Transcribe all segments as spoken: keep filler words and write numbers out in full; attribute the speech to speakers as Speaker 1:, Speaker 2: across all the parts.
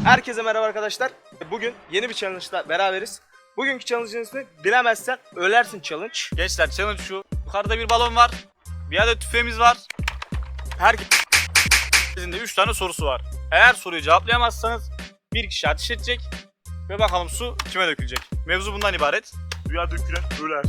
Speaker 1: Herkese merhaba arkadaşlar. Bugün yeni bir challenge'la beraberiz. Bugünkü challenge'ın ismi bilemezsen ölersin challenge.
Speaker 2: Gençler challenge şu. Yukarıda bir balon var. Bir adet tüfeğimiz var. Herkesin de üç tane sorusu var. Eğer soruyu cevaplayamazsanız bir kişi ateş edecek ve bakalım su kime dökülecek. Mevzu bundan ibaret.
Speaker 3: Suya dökülen öler.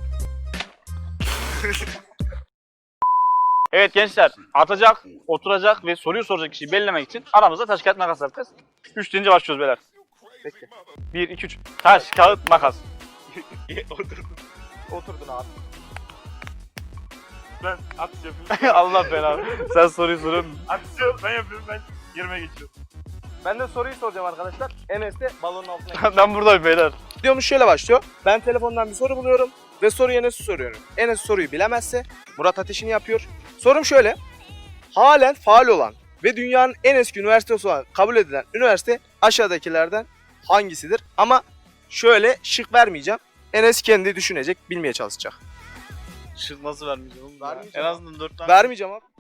Speaker 2: Evet gençler, atacak, oturacak ve soruyu soracak kişiyi belirlemek için aramızda taş kağıt makas yapacağız. üç deyince başlıyoruz beyler.
Speaker 1: Peki.
Speaker 2: bir, iki, üç. Taş, kağıt, makas.
Speaker 3: Oturdum.
Speaker 1: Oturdun abi.
Speaker 3: Ben atış yapıyorum.
Speaker 2: Allah belanı. Sen soruyu soruyorsun.
Speaker 3: Atış ben yapıyorum, ben yerime geçiyorum.
Speaker 1: Ben de soruyu soracağım arkadaşlar. Enes de balonun altına gidiyor.
Speaker 2: Ben buradayım beyler.
Speaker 1: Videomuz şöyle başlıyor. Ben telefondan bir soru buluyorum ve soruyu Enes'e soruyorum. Enes soruyu bilemezse Murat ateşini yapıyor. Sorum şöyle. Halen faal olan ve dünyanın en eski üniversitesi olan kabul edilen üniversite aşağıdakilerden hangisidir? Ama şöyle şık vermeyeceğim. Enes kendi düşünecek, bilmeye çalışacak.
Speaker 2: Şık nasıl vermeyeceğim oğlum?
Speaker 1: Vermeyeceğim
Speaker 2: En
Speaker 1: abi.
Speaker 2: azından dört tane.
Speaker 1: Vermeyeceğim abi.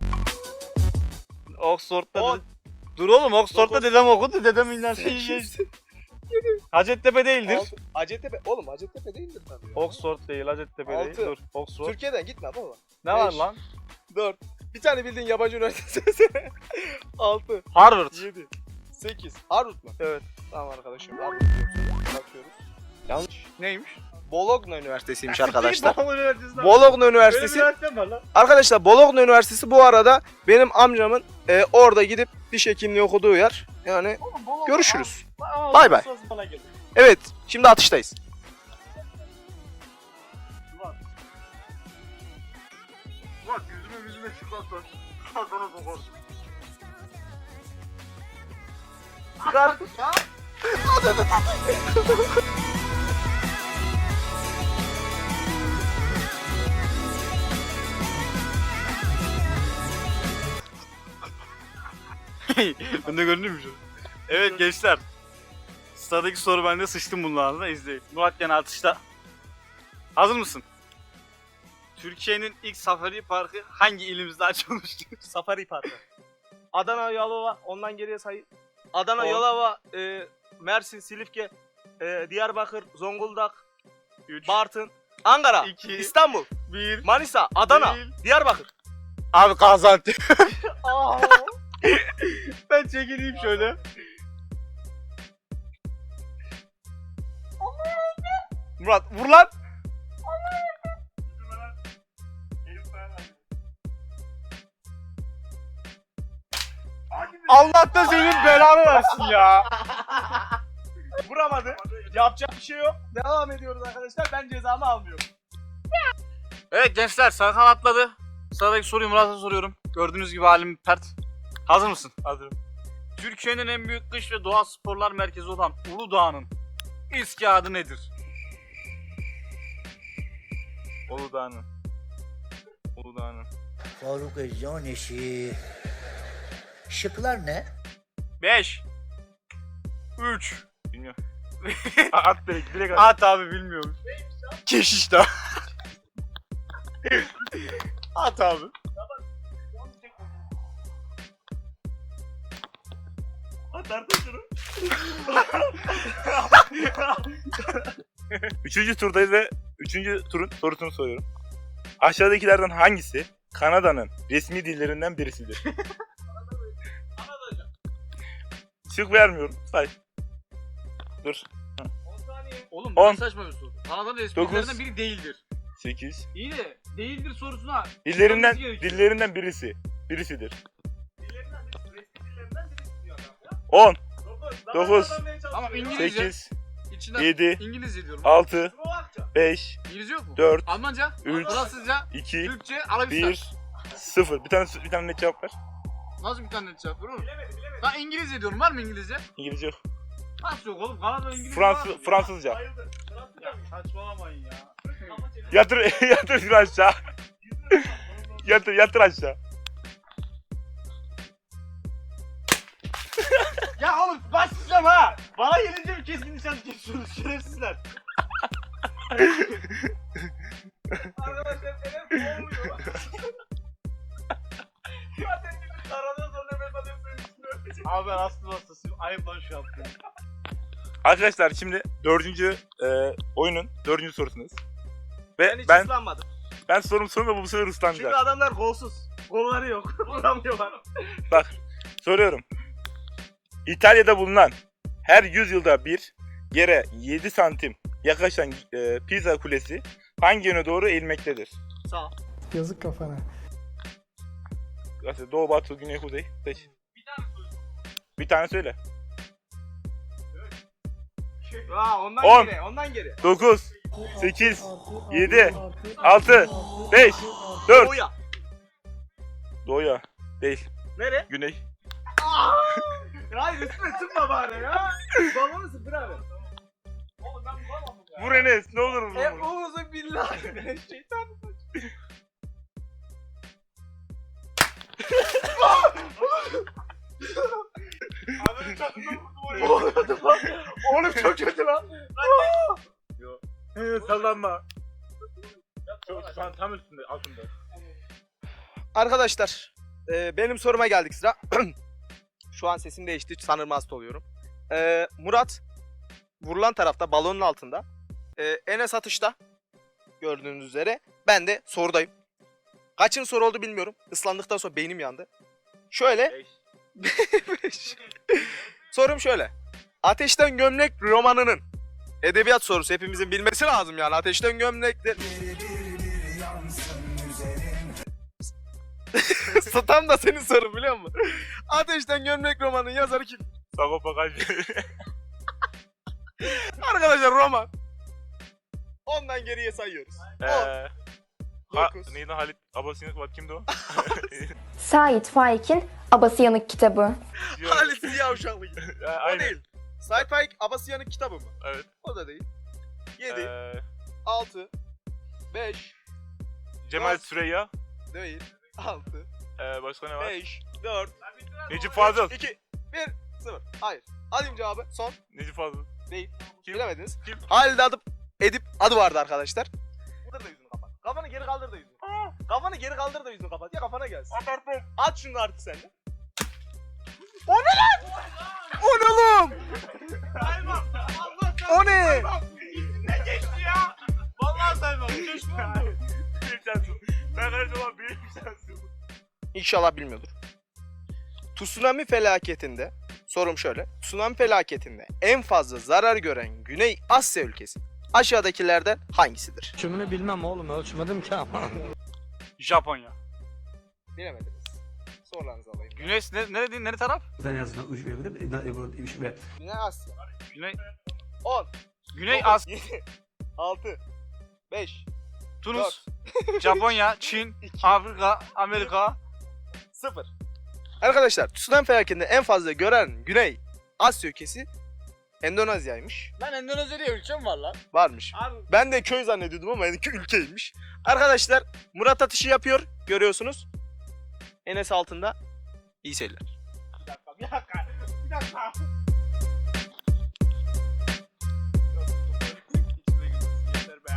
Speaker 2: Oxford'da
Speaker 1: On.
Speaker 2: de... Dur oğlum, Oxford'da
Speaker 1: Dokuz.
Speaker 2: dedem okudu, dedem üniversiteyi geçti. Hacettepe değildir.
Speaker 1: Altı. Hacettepe. Oğlum Hacettepe değildir tabii.
Speaker 2: Oxford değil, Hacettepe değil.
Speaker 1: Altı.
Speaker 2: Dur, Oxford.
Speaker 1: Türkiye'den gitme baba.
Speaker 2: Ne var
Speaker 1: Beş.
Speaker 2: lan?
Speaker 1: dört. Bir tane bildiğin yabancı üniversitesi. altı.
Speaker 2: Harvard.
Speaker 1: yedi. sekiz. Harvard mı?
Speaker 2: Evet.
Speaker 1: Tamam arkadaşım. Harvard diyorsun. Bakıyoruz. Yanlış.
Speaker 2: Neymiş?
Speaker 1: Bologna Üniversitesi'ymiş arkadaşlar.
Speaker 2: Bologna Üniversitesi'nde.
Speaker 1: Bologna Üniversitesi.
Speaker 2: Böyle bir üniversite mi var lan?
Speaker 1: Arkadaşlar Bologna Üniversitesi bu arada benim amcamın e, orada gidip diş hekimliği okuduğu yer. Yani
Speaker 2: Oğlum, Bologna-
Speaker 1: görüşürüz.
Speaker 2: Aa,
Speaker 1: Bay bay.
Speaker 2: sırası bana geldi.
Speaker 1: Evet, şimdi atıştayız.
Speaker 3: Bak yüzüme yüzüme çıkarsan. Sana sokarsın.
Speaker 1: Çıkar.
Speaker 2: Ben de görünüyor mu şu? Evet gençler. Sıradaki soru bende, sıçtım bunun ağzına, izleyin. Murat gene atışta. Hazır mısın? Türkiye'nin ilk safari parkı hangi ilimizde açılmıştır?
Speaker 1: Safari Parkı. Adana, Yalova, ondan geriye say. Adana,
Speaker 2: On.
Speaker 1: Yalova, e, Mersin, Silifke, e, Diyarbakır, Zonguldak,
Speaker 2: üç,
Speaker 1: Bartın, Ankara,
Speaker 2: iki,
Speaker 1: İstanbul,
Speaker 2: bir.
Speaker 1: Manisa, Adana,
Speaker 2: Değil.
Speaker 1: Diyarbakır.
Speaker 2: Abi Gaziantep.
Speaker 1: Aa.
Speaker 2: Ben çekileyim şöyle. Murat vur lan.
Speaker 3: Yüzüme lan. Elif falan al. Hadi be.
Speaker 2: Allah da senin belanı versin ya.
Speaker 1: Vuramadı. Yapacak bir şey yok. Devam ediyoruz arkadaşlar. Ben cezamı almıyorum.
Speaker 2: Evet gençler, Serkan atladı. Sıradaki soruyu Murat'a soruyorum. Gördüğünüz gibi halim pert. Hazır mısın?
Speaker 3: Hazırım.
Speaker 2: Türkiye'nin en büyük kış ve doğa sporlar merkezi olan Uludağ'ın eski adı nedir?
Speaker 3: Uludağ'ın. Uludağ'ın.
Speaker 4: Faruk Özcan eşi. Şıklar ne?
Speaker 2: beş üç
Speaker 3: Bilmiyorum. At direkt, direkt at.
Speaker 2: At abi, bilmiyorum. Keşiş Dağı. At abi.
Speaker 3: At artık şunu. Üçüncü turdayız ve üçüncü turun sorusunu soruyorum. Aşağıdakilerden hangisi Kanada'nın resmi dillerinden birisidir? Şık vermiyorum. Say. Dur.
Speaker 2: Oğlum
Speaker 3: On.
Speaker 2: bu saçma bir soru. Kanada'nın
Speaker 3: Dokuz.
Speaker 2: resmitlerinden biri değildir.
Speaker 3: sekiz.
Speaker 2: İyi de değildir sorusuna.
Speaker 3: Dillerinden,
Speaker 2: Bilmemiz gerekiyor.
Speaker 3: dillerinden birisi. Birisidir. on, dokuz,
Speaker 2: Ama İngilizce.
Speaker 3: sekiz,
Speaker 2: İçinden
Speaker 3: yedi,
Speaker 2: İngilizce diyorum.
Speaker 3: altı, beş,
Speaker 2: İngilizce yok mu?
Speaker 3: dört,
Speaker 2: Almanca,
Speaker 3: üç,
Speaker 2: Fransızca,
Speaker 3: iki,
Speaker 2: Türkçe, Arabistan.
Speaker 3: bir, sıfır. Bir tane bir tane net cevap ver.
Speaker 2: Nasıl bir tane net cevap veriyor oğlum? Ben İngilizce diyorum. Var mı İngilizce?
Speaker 3: İngilizce yok.
Speaker 2: Nasıl yok oğlum? Kanada İngilizce var mı?
Speaker 3: Fransız, Fransızca.
Speaker 2: Ya saçmalamayın ya.
Speaker 3: Yatır, yatır şunu aşağı. Yatır, yatır aşağı.
Speaker 2: Ya oğlum başlayacağım ha. Bana gelince bir keskin nişan geçiyorsunuz şerefsizler.
Speaker 1: Arkadaşlar Enes boğuluyor. Zaten bir taradan sonra ben zaten suyun üstüne öpeceğim.
Speaker 2: Abi ben aslında hastasıyım. Ayıp lan şu yaptığın.
Speaker 3: Arkadaşlar şimdi dördüncü e, oyunun dördüncü sorusunuz. Ve
Speaker 1: Ben hiç
Speaker 3: ben
Speaker 1: ıslanmadım.
Speaker 3: ben sorum sonra bu sefer
Speaker 1: Çünkü
Speaker 3: ıslanacak.
Speaker 1: adamlar golsuz. Golları yok. Vuramıyorlar.
Speaker 3: Bak soruyorum. İtalya'da bulunan her yüz yılda bir yere yedi santim yaklaşan e, Pisa Kulesi hangi yöne doğru eğilmektedir?
Speaker 1: Sağ.
Speaker 5: Yazık kafana.
Speaker 3: Mesela doğu, batı, güney, kuzey. Seç. Bir tane söyle.
Speaker 1: Aa, ondan
Speaker 3: On.
Speaker 1: geri. Ondan geri.
Speaker 3: dokuz, sekiz, yedi, altı, beş, dört.
Speaker 1: Doğuya.
Speaker 3: Doğuya. Değil.
Speaker 1: Nere?
Speaker 3: Güney.
Speaker 1: Hayır üstüne sıkma bari ya. Balonu sıfır abi. Oğlum ben bulamam bu ya.
Speaker 3: Vur Enes. Ne olur vur.
Speaker 1: E Oğuz'un billahi. Şeytan. Oğlum çok kötü lan.
Speaker 3: Sallanma. Çok, şu an tam üstünde, altında.
Speaker 1: Arkadaşlar e, benim soruma geldik sıra. Şu an sesim değişti sanırım hasta oluyorum. E, Murat vurulan tarafta balonun altında. E, Enes atışta gördüğünüz üzere. Ben de sorudayım. Kaçın soru oldu bilmiyorum. Islandıktan sonra beynim yandı. Şöyle.
Speaker 3: Beş.
Speaker 1: Sorum şöyle. Ateşten Gömlek romanının edebiyat sorusu hepimizin bilmesi lazım yani. Ateşten Gömlek de... Tam da senin sorun biliyor musun? Ateşten Gömlek romanının yazarı kim?
Speaker 3: Sagopa Kajmer.
Speaker 1: Arkadaşlar roman. Ondan geriye sayıyoruz.
Speaker 3: Eee... Ha,
Speaker 1: dokuz.
Speaker 3: neydi Halit Abası'nın bak kimdi o?
Speaker 6: Sait Faik'in Abası Yanık kitabı.
Speaker 1: Halit Ziya Uşaklı.
Speaker 3: Ya,
Speaker 1: O
Speaker 3: aynen.
Speaker 1: değil. Sait Faik Abasıyan'ın kitabı mı?
Speaker 3: Evet.
Speaker 1: O da değil. yedi,
Speaker 3: Eee...
Speaker 1: altı, beş,
Speaker 3: Cemal
Speaker 1: dört.
Speaker 3: Süreyya.
Speaker 1: değil, altı,
Speaker 3: Eee başka ne var?
Speaker 1: beş, dört,
Speaker 3: Necip Fazıl.
Speaker 1: iki, bir, sıfır. Hayır. Alayım cevabı. Son.
Speaker 3: Necip Fazıl.
Speaker 1: Değil.
Speaker 3: Kim?
Speaker 1: Bilemediniz.
Speaker 3: Kim?
Speaker 1: Halide adı, Edip adı vardı arkadaşlar. Kaldır da yüzünü kapat. Kafanı geri kaldır da yüzünü. Kafanı geri kaldır da yüzünü kapat. Ya kafana gelsin. At şunu artık sen de. O ne lan? O ne oğlum? O ne?
Speaker 2: Vallahi saymam. Keşke oldu.
Speaker 3: Büyük sensin. Ben her zaman büyük sensin.
Speaker 1: İnşallah bilmiyordur. Tsunami felaketinde, sorum şöyle. Tsunami felaketinde en fazla zarar gören Güney Asya ülkesi aşağıdakilerden hangisidir?
Speaker 5: Ölçümünü bilmem oğlum, ölçmedim ki ama.
Speaker 2: Japonya.
Speaker 1: Bilemediniz. Sorularınızı alayım.
Speaker 2: Güneş ne, ne dediğin, nere taraf?
Speaker 1: Güney Asya.
Speaker 2: Güney,
Speaker 1: on,
Speaker 2: Güney
Speaker 1: dokuz,
Speaker 2: Asya,
Speaker 1: yedi, altı, beş,
Speaker 2: Tunus, Japonya, Çin, Afrika, Amerika.
Speaker 1: sıfır. Arkadaşlar tsunami felaketinde en fazla gören Güney Asya ülkesi Endonezya'ymış.
Speaker 2: Lan Endonezya diye ülke mi var lan?
Speaker 1: Varmış.
Speaker 2: Abi
Speaker 1: Ben de köy zannediyordum ama benimki ülkeymiş. Arkadaşlar Murat atışı yapıyor. Görüyorsunuz. Enes altında. İyi seyirler.
Speaker 2: bir dakika, bir dakika, bir dakika. İçime girmesin, yeter be.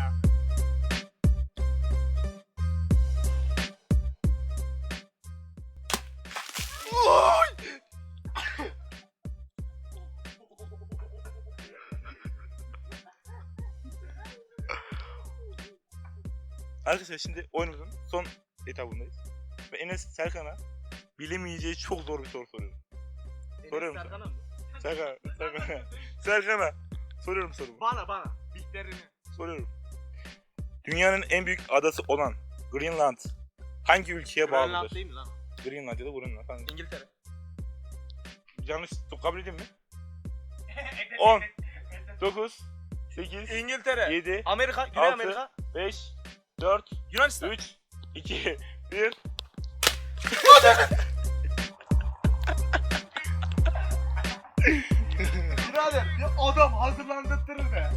Speaker 3: Arkadaşlar şimdi oyunumuzun son etabındayız. Ve Enes Serkan'a bilemeyeceği çok zor bir soru soruyorum. Soruyorum sana.
Speaker 1: Serkan'a mı?
Speaker 3: Serkan, Serkan'a. Serkan'a. Soruyorum sorumu.
Speaker 1: Bana bana. Biklerini.
Speaker 3: Soruyorum. Dünyanın en büyük adası olan Greenland hangi ülkeye
Speaker 1: Grönland
Speaker 3: bağlıdır?
Speaker 1: değil mi lan?
Speaker 3: Greenland ya da Greenland. Hangi?
Speaker 1: İngiltere.
Speaker 3: Yanlış kabul edeyim mi? on, dokuz, sekiz,
Speaker 1: İngiltere.
Speaker 3: yedi,
Speaker 1: Amerika. Güney
Speaker 3: altı,
Speaker 1: Amerika.
Speaker 3: beş, dört,
Speaker 1: Yunanistan.
Speaker 3: üç, iki, bir.
Speaker 1: Birader bir adam hazırlandırtırır be.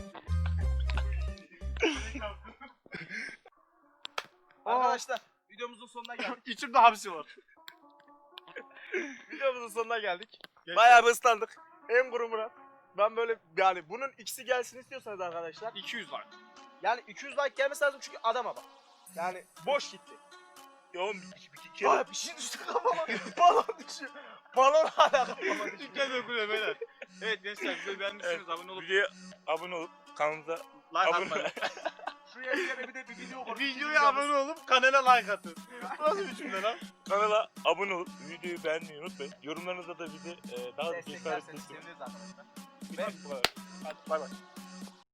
Speaker 1: Arkadaşlar videomuzun sonuna geldik.
Speaker 2: İçimde hapsi var.
Speaker 1: Videomuzun sonuna geldik. Bayağı bir ıslandık. En kuru Murat. Ben böyle yani bunun ikisi gelsin istiyorsanız arkadaşlar.
Speaker 2: iki yüz var.
Speaker 1: Yani iki yüz like gelmesi lazım çünkü adama bak. Yani boş gitti.
Speaker 3: Ya oğlum bir, bir, bir kere
Speaker 1: Ay bir şey düştü kafama. Balon düşüyor. Balon hala
Speaker 2: İlk kez okuyor beyler. Evet gençler videoyu beğenmişsiniz.
Speaker 3: Evet,
Speaker 2: Abone olup
Speaker 3: videoya abone olup kanalımıza
Speaker 2: like
Speaker 3: abone
Speaker 2: atmayı.
Speaker 1: Şu yere bir de bir video koy.
Speaker 2: Videoya abone olup kanala like atın. Nasıl bir cümle lan?
Speaker 3: kanala abone olup videoyu beğenmeyi unutmayın. Yorumlarınızda da bizi e, daha da cesaret
Speaker 1: Desteklerseniz
Speaker 3: etsin.
Speaker 1: seviniriz arkadaşlar.
Speaker 3: Bu kadar. Hadi bay bay.